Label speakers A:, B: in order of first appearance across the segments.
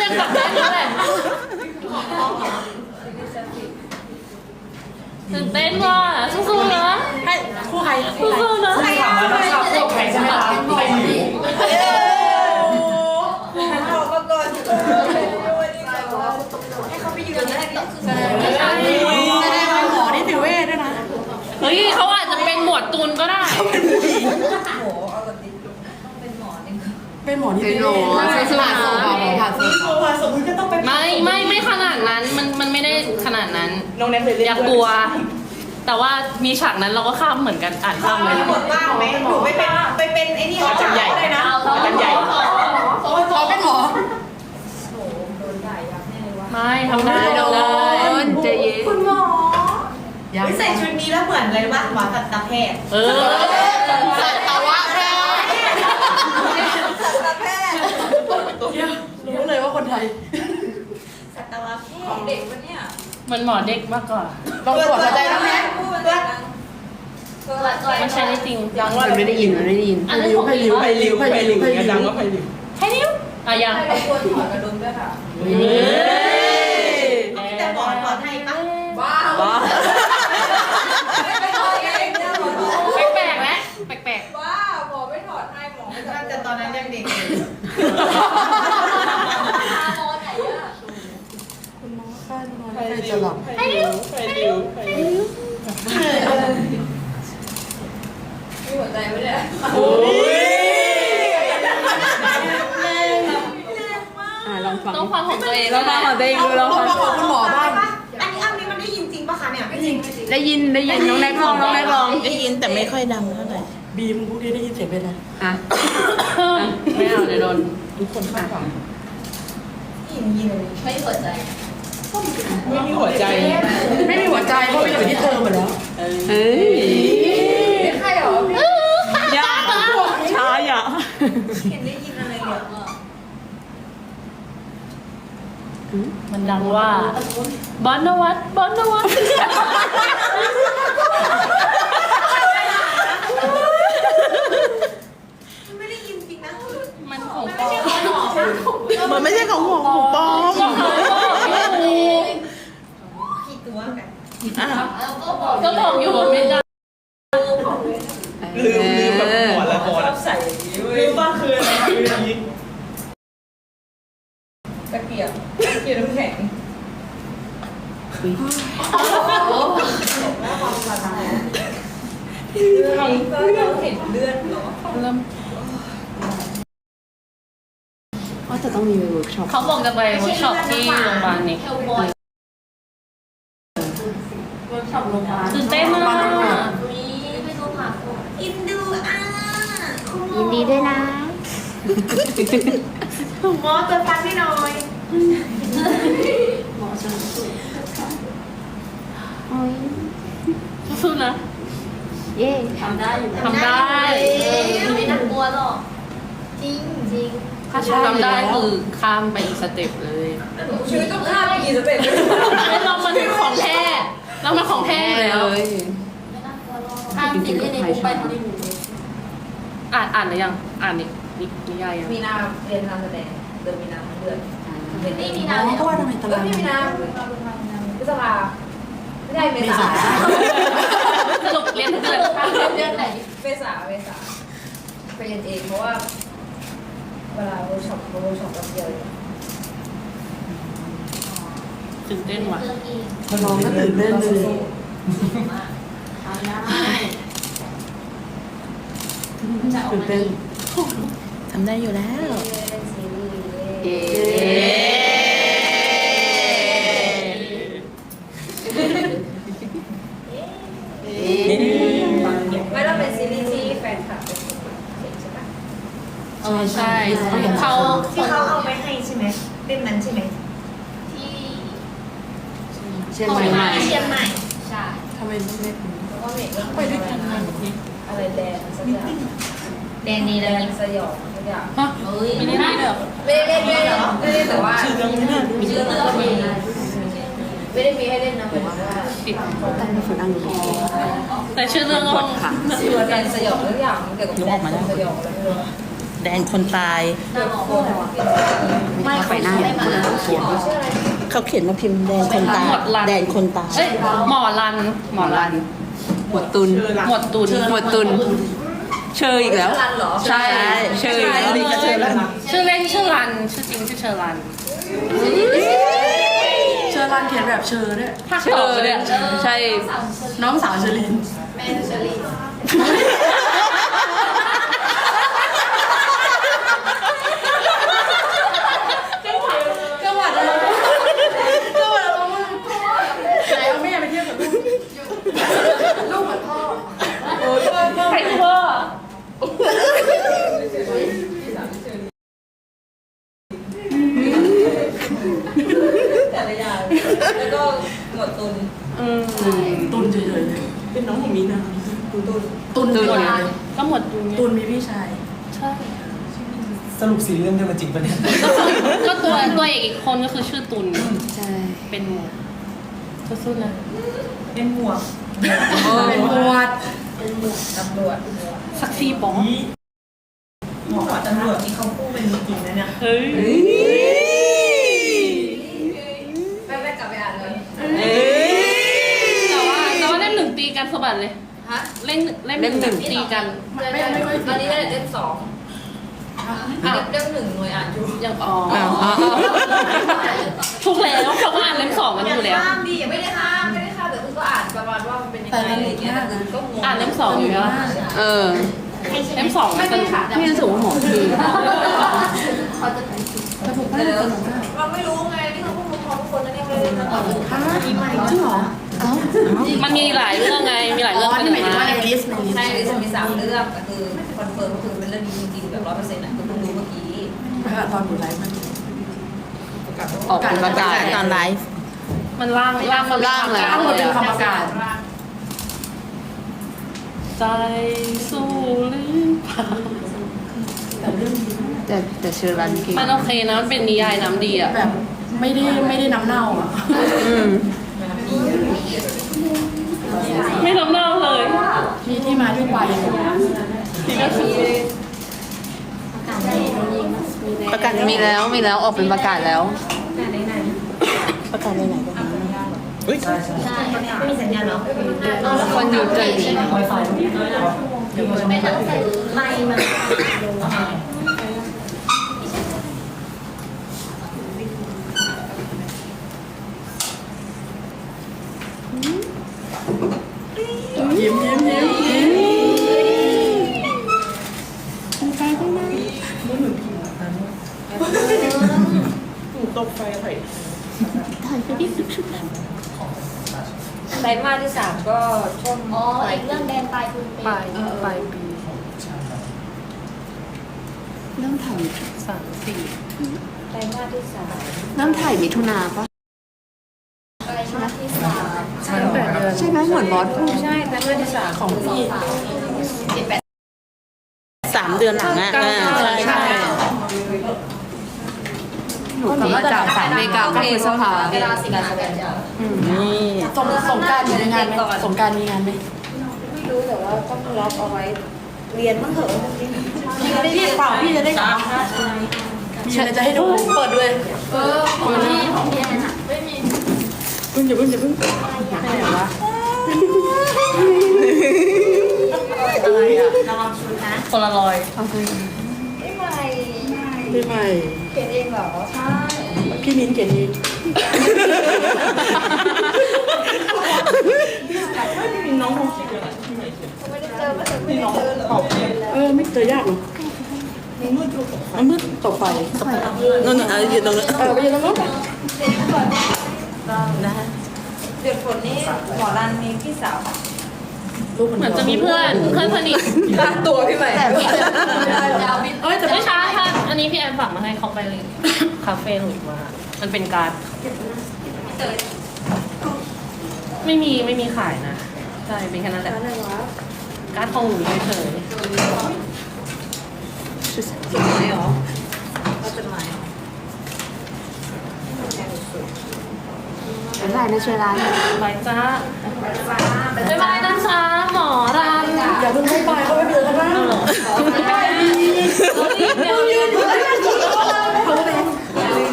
A: กับแม่นั่นแหละตื่นเต้นว่ะสู้ๆนะให้คู่ใครสู้ๆนะใครถามว่าเราชอบคู่ใครใช่ไหมคะใครดีให้เขาไปยืนแรกต่อคือแสดงว่าหมอนิติเวชด้วยนะเฮ้ยเขาอาจจะเป็นหมวดตูนก็ได้เป็นหมอนิติเวชผ่านสมมติก็ต้องไปไม่ขนาดนั้นมันไม่ได้ขนาดนั้นน้องแนทเลยอย่ากลัวแต่ว่ามีฉากนั้นเราก็ข้ามเหมือนกันอ่านข้ามเลย
B: หมดบ้างไหมหนูไปเป็นไอ้นี่อาจารย์ใหญ่เลยนะอาจารย์ใหญ่
C: เขาเป็นหมอ
A: ไม่ทำได้ใจเย็น
B: คุณหมอใส่ชุดนี้แล้วเหมือนอะไรบ้างหมอสัตวแพทย์
C: สัตวแพทย์
B: สัตวแพทย์
C: รู้เลยว่าคนไทย
B: สัตวแพทย์ของเด็กวะเนี่ย
A: มันหมอเด็กมากกว่า
C: ต้องตรวจหัวใจแล้วไหม
A: มันใช่ได้จริง
C: ยังว่าไม่ได้ยิน
A: อันนี้ของริ้ว
C: ดังว่าไพลิว
A: ให้นิ้วยัง
B: ให้ควรถอดกระดุมด้วยค่ะแต่หมอถอดให้ปะบ้าไม่ถอดเองนะหมอ
A: แปลกๆแล้วแปลก
B: ๆว้าหมอไม่ถอดให้หมอไม่ถอดแต่ตอนนั้นยังเด็กอยู่หมอไหนอะ
C: คุณหมอค่ะใครจะหลับ
A: ให้นิ้ว
B: มีหัวใจไหมเนี่ย
C: โอ้ยลองฟัง
A: ต้องฟังของตัวเอง
C: แล้วฟังของตัวเองดูลองฟังของคุณหมอบ้าง
B: อันนี้มันได้ยินจริงปะคะเนี่ยไม่จริง
C: ได้ยินน้องแน็กลอง
D: ได้ยินแต่ไม่ค่อยดังเท่าไหร่
C: บีมพวกนี้ได้ยินเสียงเป็นอะไร
A: ไม่เอาเดี๋ยวโดน
D: ทุกคนคาดหวัง
B: ยินไม่หัวใจ
D: ไม่มีหัวใจ
C: ไม่มีหัวใจเพราะไปอยู่ที่เธอหมดแล้ว
B: ใครหร
A: อยา
C: ช้าอย่า
B: เห็นได้ยินอะไรเยอะ
A: มันดังว่าบอนนวัต
B: ไม่ได้ยินจริงนะ
A: มันของปอม
D: มันไม่ใช่ของหัวของปอม
B: กี่ตัวกัน
A: ก็บอกอยู่ว่าไม่ได้
D: ลืมแบบหัวละคร
B: ใส่ลืมบ้างคืออะไรลืมยิงตะเกียบน้ำแข็งเราเห็นเลือดเหรอ
A: เริ่ม
C: ว่าจะต้องมีเวิร์กช็อป
A: เขาบอกจะไปเวิร์กช็อปที่โรงพยาบาลนี่ตื่นเต้นมาก
B: อินดู
C: ยินดีด้วยนะ
B: หมอเติมฟันให้หน่อย
C: หมอจะ
A: สู้นะ
C: เย่
A: ทำได้
B: ไม่น่ากลัวหรอกจริง
A: ถ้าทำได้คือข้ามไปอีกสเต็ปเลย
B: ชีวิตต้องข้ามไปกี่สเต็ป
A: เรามันของแท้เรามันของแท้แล้ว
B: ข้ามติดเล่นในบุ๊กไปทำในบุ๊ก
A: อ่านหรือยังอ่านนิยายยัง
B: มีนาเรียนการแสดงเดือนมีนาเดือนไม่มีนา
C: เพราะว่าทำไมตลาด
B: ไม่มีนาพฤษภาไม่ได้เมษา
A: สรุปเรียนทุกเดือน
B: เดือนไหนเมษาไปเรียนเองเพราะว่าเวลาเวิร์กช็อปกับเดียว
A: ตื่นเต้นว่ะ
C: น้องก็ตื่นเต้นเลยตื่นเต้น
D: ทำได้อยู่แล้ว
B: ไม่ต้องเป็นซีรีส์ที่แฟนคลับเป็นใช่ปะ
A: ใช่ที่เขา
B: เอาไปให้ใช่ไหมเล่มนั้นใช่ไหมที่
C: เชียงใหม่
B: ใช่
C: ทำไมไม่เป็น
B: เพราะว่าเมย์ไปด้วยกันอะไรแดงสักอย่างแดงนี่แดงสยองสักอย่าง
A: ไม่ได้เด้อ
B: ไม่ได้เล่นแต่ว่าชื่อเรื่องก็มีไม่ได้มีให้เล่นนะเหมือนว่า
A: ติด
C: ตั้งแต่ฝึกอังกฤษ
A: แต่ชื่อเรื่องก็
B: ชื่อว่าแดงสยองสักอย่างเกี่ยวกับแดงสยองอะไรไม่รู้
D: แดนคนตาย
C: ไม่ไปหน้าเนี่ยคนละเขียน
D: เขาเขียนมาพิมพ์แดนคนตาย
A: หมดรัน
D: แดนคนตาย
A: เอ้ยหมอรัน หมอรัน
C: หมวดตุน
A: หมดตุน
C: หมวดตุน เชยอีกแล้ว
B: รันเหรอ
C: ใช่เชยอีกแล้ว
A: ชื่อเล่นชื่อรัน ชื่อจริงชื่อเชอรัน
E: เชอร์รันเขียนแบบเชอร์ด้วย
A: ภาคต่อเลยอะ
C: ใช่
E: น้องสาวเชอรีน
B: แม่เชอรี่
E: ก็ว่าจะก็ว่าจะว่าไหนเอาแม่ไปเทียบกับลูกลูกเหมือนพ่อ
A: ใครคือพ่อ
B: แต่ละอย่างแล้วก็หมดตุน
E: ตุนเฉยๆเลยเป็นน้องของมีนะตุนตุน
A: ก็หมดตุนไง
E: ตุนมีพี่ชาย
A: ใช่
F: สรุปซีรีส์เรื่องเดียวกันจริงปะเนี่ย
A: ก็ตัวเอกอีกคนก็คือชื่อตุน
C: ใช่
A: เป็นหมวดสู้ๆนะ
B: เป็นหมวก
E: เป็นหมวด
B: ตำรวจ
A: สักซีป๋อง
B: หมวกตำรวจนี่เขาพูดเป็นจริงนะเนี่ย
A: เฮ้ย
B: ไม่กลับไปอ่านเลย
A: แต่ว่าเล่มหนึ่งตีกันสะบัดเลย
B: ฮะ
A: เล่มหนึ่งตีกัน
B: ตอนนี้ได้เล่มสองเล่มหนึ่งหน่วยอ่านอยู่
A: อย่างอ๋อถูกแล้วเขาก็อ่านเล่มสองกันอยู่แล้ว
B: ห้ามดิไม่ได้ห้ามแต่คือก็อ่านประมาณว่ามันเป็นยังไงอะไรอย่างเงี้ยแต่คือก็งง
A: อ่านเล่มสองอยู่แล้ว
C: เออ
A: เล่มสองมันสนุก
C: พี่รู้สึกว่าหมอพี่
B: เราไม่รู้ไงนี่เขาพูดพร้อมทุกคนนะเนี่ยไม่ได้มาตอบ
E: จริงเหรอ
A: มันมีหลายเรื่องไง มีหลาย
E: อ๋
A: เรื่อง
E: อนี่หมายถึงว่าในลิสต์
B: ใช่จะมี3เรื่องแต่คือคอนเฟิร์มก็คือเป็นเรื่องนี้จริงๆแบบ100%อ่ะคือเพิ่งรู้เมื่อกี้
E: ตอนอยู่ไลฟ์มัน
C: ออกเป็นประกาศ
D: ตอนไลฟ์
A: มันล่างมา
C: ล่างแล้ว
E: ทั้งหมดเป็นคำประกาศ
A: ใจสู้หรือเปล่า
C: แต่เชอร์รันเก่ง
A: มันโอเคนะ มันเป็นนิยายน้ำดีอ่ะ
E: แบบไม่ได้น้ำเน่าอ่ะ
A: ไม่น้ำเน่าเลย
E: มีที่มาที่ไป
C: ประกาศมีแล้วออกเป็นประกาศแล้ว
D: ประกาศในไหนก็มีอุ้ย
B: ไม่มีสัญญาณเนาะ
C: คนอยู่ใจดี
B: ไม่ต้องใส่ไมค์มา
E: ยิ้ม
D: ตกไฟไผ่
B: ไตรมาสที่3ก็ช่วง
G: อ๋อ อีกเรื่องแดนปลายคุณปี
A: ปลายปี
C: เริ่มถ่าย
B: ไตรมาสที่
C: เริ่มถ่ายมิถุนาปะ
G: ไตรมาสที่3
C: ใช่ไหมเหมือนบอสพูด
B: 3ใช่ไตรมาสที่3ของพี่
D: 3 เดือนหลังอ่ะใช่ใช่
C: หนูกลับมาจากอเมริกาก็คือสภา
B: เวลา10 นาฬิกา
D: นี่
E: สงการอยู่ในงานไหมสงการมีงานไหม
B: ไม่รู้แต่ว่าต้องล็อกเอาไว้ เรียนมั่งเถอะ
E: พี่เปล่าพี่จะได้กลับมีอะไรจะให้ดูเปิดด้วย
G: ของพี่แอนอะ
E: อย่าเพิ่งไหนวะอะไรอ่ะ
A: คนละรอย
E: พี่ใหม่
B: เขียนเองเหรอ ใช่
E: พี่มิ้นเขียนเอง
B: ไม่ได้เจอไม่ได้เจอหรอ
E: ไม่เจอยากหรอกมันมืดตกไฟ
D: นู่นอยู่ตรงนั้น
E: ไปยืนตรงนู้น
B: เดือดฝนนี่หมอรันมีพี่สาว
E: รูป
A: เหมือนจะมีเพื่อนสนิท
B: ตัวพี่ใหม่
E: แต่
A: ไม่ใช่ค่ะอันนี้พี่แอนฝากมาให้เขาไปเลยคาเฟ่หลุดมา มันเป็นการ์ดไม่มีขายนะ ใช่ เป็นแค่นั้นแหละ การ์ดของหนูเฉย
C: เป็นไรนะเชอร์รัน
A: ๆไปจ้าบ๊ายบายนะจ๊ะหมอรัน
E: อย่าเพิ่งให้ไปเขาไปเดือดกันนะ
A: เรารีบ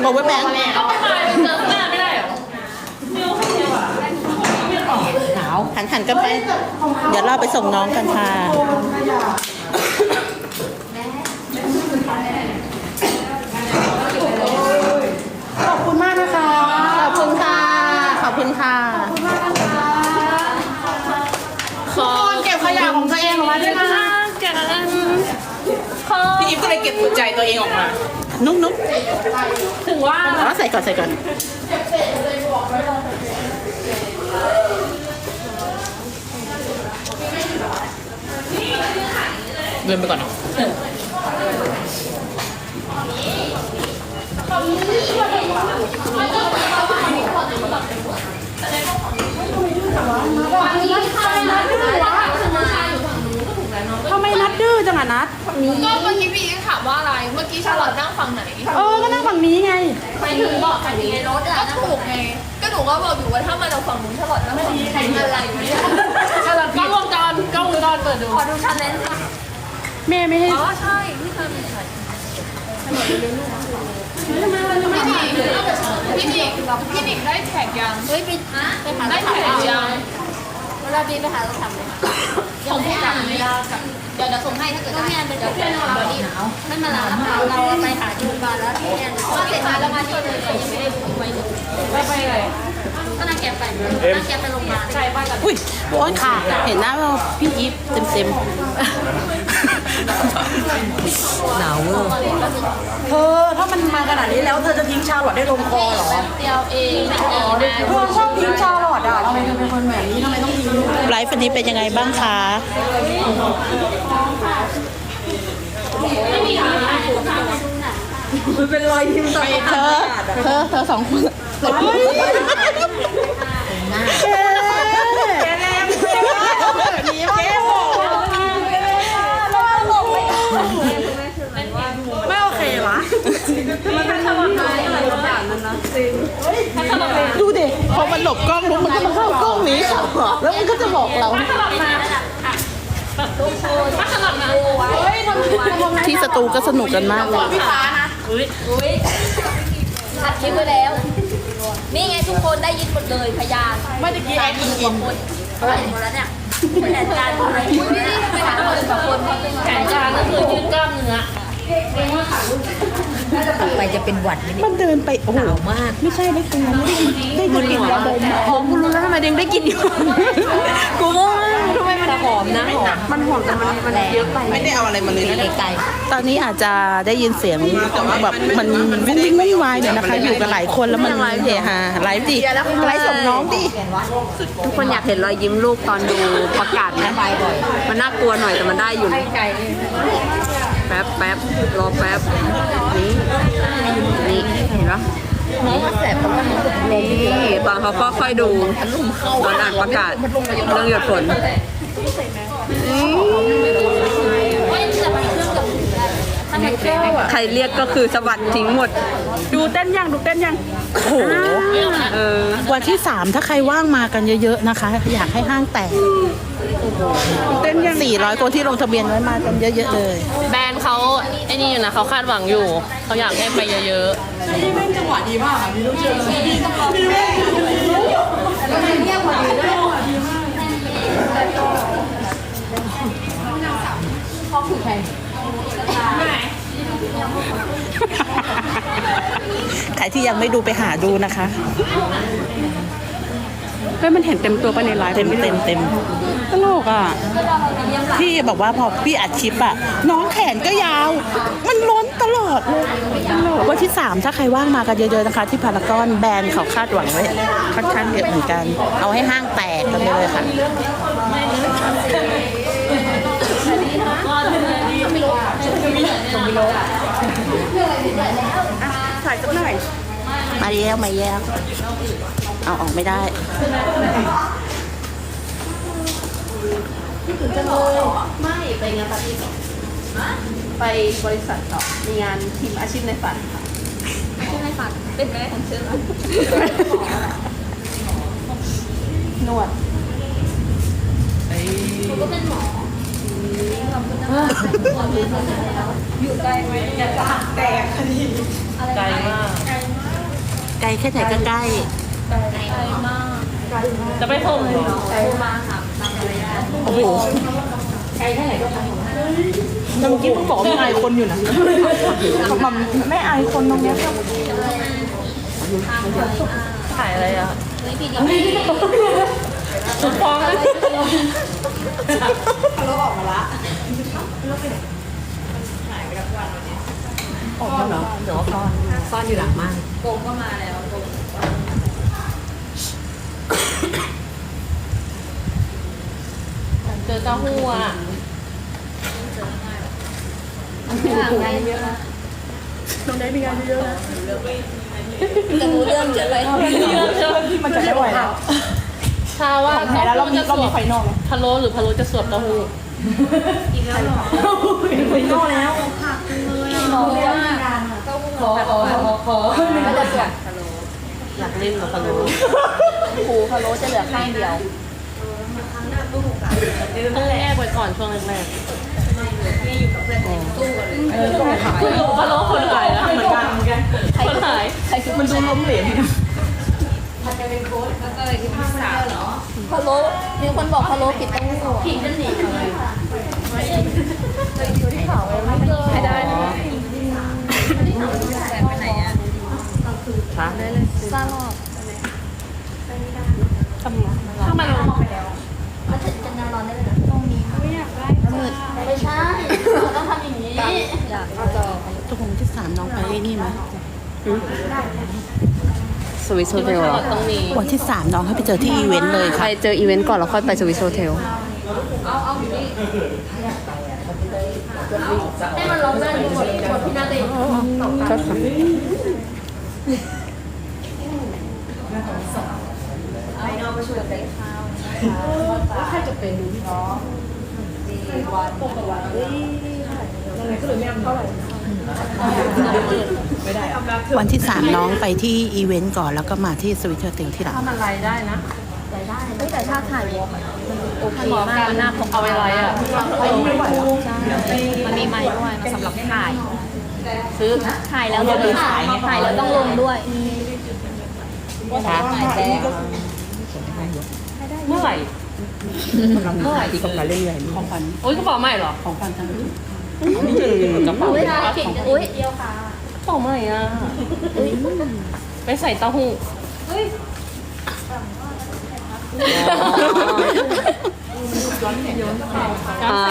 H: power bank
A: ก็ไปเจอข้างหน้าไม่ได้เหรอ
H: หนาวหันกันไป เดี๋ยวเราไปส่งน้องกันค่ะ
E: ขอบคุณมากนะคะ
H: ขอบคุณค่ะ ขอบคุณค่ะ
A: ขอ
E: เก็บขยะของตัวเองออกมาด้วยนะ
A: กันขอ
H: พี่อิฟก็เลยเก็บหัวใจตัวเองออกมา นุ๊ก
A: ถึงว่า
H: อ๋อใส่ก่อนเดินไปก่อน
E: ทำไมนัดดื้อจังอะนัด
B: ก็เมื่อกี้พี่ถามว่าอะไร เมื่อกี้ชาลอตนั่งฝั่งไหน
E: ก็นั่งฝั่งนี้ไง
B: ไปถึงบอกฝั่งนี้ในรถอ่ะก็ถูกไง ก็หนูก็บอกอยู่ว่าถ้ามาเราฝั่งนู้นชาลอตนั่งฝั่งนี้อะไรเนี่ย
A: กล้องวงจรเปิดดู
B: ขอดูชาเลนจ์ค่ะ
E: แม่ไม่ให้
B: อ๋อใช่พี่เคยมีใครพี่นิกได้แท็กยัง
G: เฮ้ยไปหา
B: ได้แท็กยัง
G: เวลาบีไปหาเราทำเลยส่งให้จับเวลากับเดี๋ยวส่งให้ถ้าเกิดพี่แอนเป็นเดี๋ยวพี่แอนเราดีไม่มาลาเราไปหาจูนบาแล้วพี่แอนว่าเสร็จมาแล้วมาที่เลยยังไม่ได้ดูไว้เลย
A: ไปไหน
G: ก็นั่งแกไปโรงพยาบาล
A: ใช่ป้ากัน
H: อุ้ยโอ๊ยค่ะ เห็นหน้าเราพี่อีฟเต็มหนาวเวอร์
E: เธอถ้ามันมาขนาดนี้แล้วเธอจะทิ้งชาลอตได้ลงคอเหรอ
G: เดียวเองไม่ดีนะ
E: เธอชอบทิ้งชาลอตอ่ะทำไมเธอเป็นคนแบบนี้ทำไมต้องทิ้ง
H: ไลฟ์วันนี้เป็นยังไงบ้างคะ
E: มันเป็นรอยยิ้มต่อ
H: เธอสองคน
E: ไม่โอเควะมันเป็นขนมไทยอะไรสักอย่างนั้นนะจริง
H: ดูดิพอมันหลบกล้องลุกมันก็มาเข้ากล้องนี้ค่ะแล้วมันก็จะบอกเรา ที่สตูก็สนุกกันมากเลย
E: พี่ฟ้านะ
G: อัดคลิปไว้แล้ว นี่ไงทุกคนได้ยินหมดเลยพยาน
E: ไม่ตะกี้แอนอิน
G: คนหมดแล้วเนี่ยแผนการอะไรไม่ได้ไปหาคนกับคน
A: แผนการก็คือยืดกล้ามเนื้อ
C: ไปจะเป็นหวัดไหมเนี่ย
H: มันเดินไปโอ้โหมาก ไม่ใช่ได้กินไม่ได้กินได้กินยาดมผมกูรู้แล้วทำไมเด้งได้กินอยู่กูว่าทำไมมันหอมนะหอม
E: มันหอมแต่มันเยอะไป
H: ไม่ได้เอาอะไรมาเลยนะ
C: ไกล
H: ตอนนี้อาจจะได้ยินเสียงแบบมันวิ่งวิ่งวายเนี่ยนะคะ อยู่กันหลายคนแล้วมันเฮฮาไลฟ์ดิไลฟ์ส่งน้องดิ
C: ทุกคนอยากเห็นรอยยิ้มลูกตอนดูประกาศไหมมันน่ากลัวหน่อยแต่มันได้อยู่แป๊บรอแป๊บนี่เห็นปะน้องมาแสบเพราะว่านี่ตอนเขาก็ค่อยดูตอนอ่านประกาศเรื่องหยดฝนใครเรียกก็คือสะบัดทิ้งหมด
E: ดูเต้นยัง
H: โอ้โหวันที่ 3 ถ้าใครว่างมากันเยอะๆนะคะ อยากให้ห้างแตกเต้นยัง400 คนที่ลงทะเบียนไว้มากันเยอะๆเลย
A: แบรนด์เขาไอ้นี่อยู่นะเขาคาดหวังอยู่เขาอยากให้ไปเยอะ
E: นี่แม่งจังหวะดีมากอ่ะมีลูกเชื่อดีมาก
H: ใครที่ยังไม่ดูไปหาดูนะคะ
E: เฮ้ยมันเห็นเต็มตัวไปในไลฟ์
H: เต็ม
E: ตลกอ่ะ
H: พี่บอกว่าพอพี่อัดคลิปอะน้องแขนก็ยาว มันล้นตลอดเลยวันที่ 3 ถ้าใครว่างมากันเยอะๆนะคะ ที่พารากอนแบรนด์เขาคาดหวังไว้ค่อนข้างเยอะเหมือนกัน เอาให้ห้างแตกกันไปเลยค่ะ
E: ถ่ายสักหน่อย
H: มาแย้วเอาออกไม่ได้
C: ไม่ไปงานปาร์ตี้ก่อนไปบริษัทต่อมีงานทีมอาชีพในฝันค่ะ
G: ชื่อในฝันเป็นแม่ของเชื่อ
C: นวด
G: ก็เป็นหมอ
B: อยู่ใกล้ไหมอย่าจะหักแตกคดี
A: ๆไกลมาก
H: ไกลแค่ไหนก็ใกล้
A: จะไปส่งเหรอ
H: โอ้โหแต่เมื่อกี้เพิ่งบอกว่าไม่อายคนอยู่นะมันไม่อายคนตรงเนี้ย
A: ถ่ายอะไรอ่ะสุดฟองเลย
C: ออกมาเหรอเดี๋ยวซ่อนอยู่หลังม่าน
B: โกงก็มาแล้วโกง
A: เจอเต้าหู้อ่ะ
B: จะรู้เรื่องเยอะเลย
H: มันจะไม่ไหวแล้ว
A: ชาว่า
H: แพ้แล้วเรามีไฟนอล
A: พะโล้หรือพะโล้จะสวบเต้าหู้
H: ไฟนอลแล้ว
B: ขอก็จะสวด
A: อยากเล่นกับพะโล้
B: หูพะโล้จะเหลือข้างเดียว
A: ต้องแลกไว้ก่อนช่วงแรกๆคือพะโล้คนขายนะเหมือนกันคนขาย
H: มันดูล้มเหลว
B: แล้วก็เลยที่พิซซ่าเหรอพะโล้มีคนบอกพะโล้ผิดต้องผิดจะหนีเลยไม่ได้แต่ไปไหนอ่ะ
A: ฮะ
B: ซ่าหรอก
A: ถ้ามัน
G: มันจะนอนได้เลยนะตรงนี้ไม่อยากได้มืดไม่ใช่ต้องทำอย่างนี้
B: อยากจอง
H: ตกลงที่3น้องไปนี่ไหม
C: สวิสโฮเทลเหรอ
A: ต้องมี
H: วันที่3น้องให้ไปเจอที่อีเวนต์เลย
C: ไป
H: ค่ะ
C: เจออีเวนต์ก่อนแล้วค่อยไปสวิสโฮเทล
B: เอาอยู่นี่
G: ให้มันร้องได้หมดพี่นาเต้น
B: ไปนอกประชุมได้ข้าวว่าใครจะเป็นดูพี่น้องดีวันปกวันยังไงก็เลยไม่เอาเท่าไหร่
H: วันที่3น้องไปที่อีเวนต์ก่อนแล้วก็มาที่สวิตเซอร์เทลที่หลัง
A: ถ้ามันไล่ได้นะ
B: แต่ถ้าถ่ายวอล์กมันโอเค
A: หมอ
B: มาก
A: การหน้าเอาไว้ไล่อ่ะ
B: มันมีไม้ด้วยมันสำหรับถ่าย
A: ซื้อ
B: ถ่ายแล้วต้องถ่ายแล้วต้องลงด้วย
A: ฮะ
B: ถ่ายแบง
A: เมื่อไหร่
H: เมื่อไหร่ที่กำลังเล่นใหญ่ของขวัญ
A: โอ๊ยกระเป๋าใหม่เหรอ
H: ของขวัญทั้ง
A: กระเป๋า
G: อุ้ย
A: กระ
G: ผิดอุ้ยเดียวค่ะ
A: เป๋าใหม่อ่ะไปใส่เต้าหู้
C: อ๋อ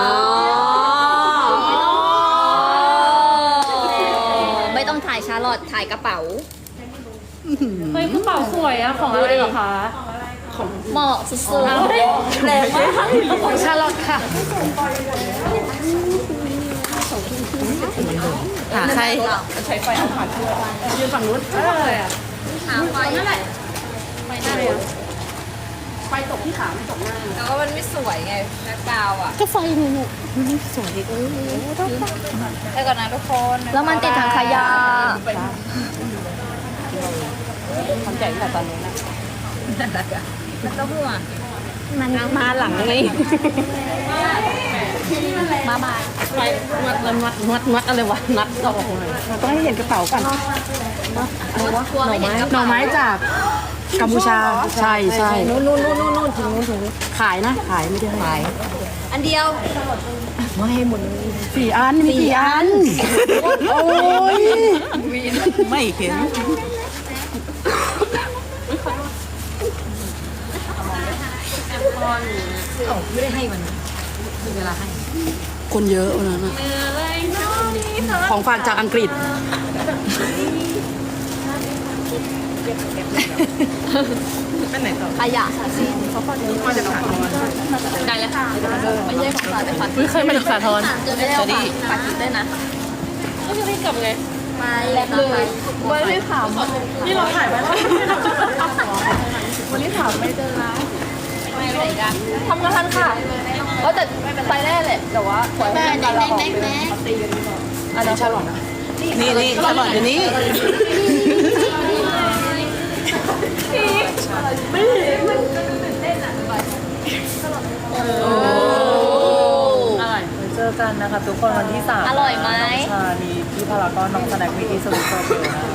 B: ไม่ต้องถ่ายชาร์ลอตถ่ายกระเป๋า
A: เฮ้ยกระเป๋าสวยอ่ะของอะไรเหรอคะ
B: เหมาะสุดๆ
A: แรงมากของชาลอตค่ะ
H: หาใคร
A: ใช้ไฟเอาผ่านเชือกยืนฝั่งนู้นอะไรอ่ะ
B: หาไฟนั่นแหละ แต่ว่ามันไม่สวยไงแบ็คกราวด์อ่ะ
H: ก็ไฟนี่ลูกนี่สวย
B: แล้วก่อนนะทุกคนแล้วมันติดถังขยะ
A: ทำใจตั้งแต่ตอนนี้นะ
B: แล้วก็หัว
C: มันมาหลังนี่
B: มา
A: ไฟมัดอะไรวะนัดออกเลย
H: เราต้องให้เห็นกระเป๋าก่อน
B: ทัวร์ไม่เห็นกระ
H: หน่อ
B: เป๋า
H: ไม้จากกัมพูชาใช่ใช่นู่นถึงขายนะขายไม่ได้ขาย
B: อันเดียว
H: 4 อันมี4 อันโอ้ยไม่เห็นคนเยอะวันนั้นอะของฝากจากอังกฤษ
B: ขยะสิเขาก็เยอะมาจาก
A: ได้แล้วค่ะ
B: ไม่ใช่ของสาแต่ฝัน
A: เคยมาจากสาทร
B: จะไม่ได้เอาฝากกินได้นะ
A: ก็จะได้กลับไง
B: มาแล้วเลยไม่ได้ถาม
A: นี่เราถ่ายไว้แล้ว
B: วันนี้ถามไม่เจอร้านไม่ไปไหนกันทำงานค่ะแต่ไปแน่แหละแต่ว่าขอให้เป็นการละออกอันนั้นชาลอต
H: นี่ฉลอดอยู่นี้
A: อร่อย
F: เจอกันนะคะทุกคนวันที่3
B: อร่อยไหม
F: ชาลีที่
D: พารากอนน้องสแน็ควีดีสวิตโซเฟลนะ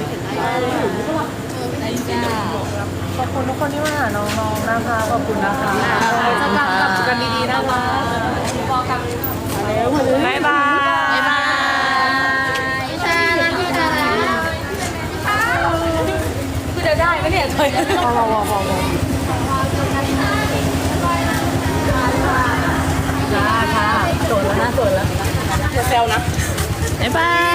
D: ขอบคุณทุกคนที่มาหาน้องๆนะคะขอบคุณนะคะจะกลับกันดีๆนะคะบ๊ายบาย
G: บ๊ายบายชาลังพี่ชาลัง
B: คือจะได้ไหมเนี่ยเคย
D: จ้าค่ะโสดแล้วนะโสดแล้ว
H: บ๊ายบาย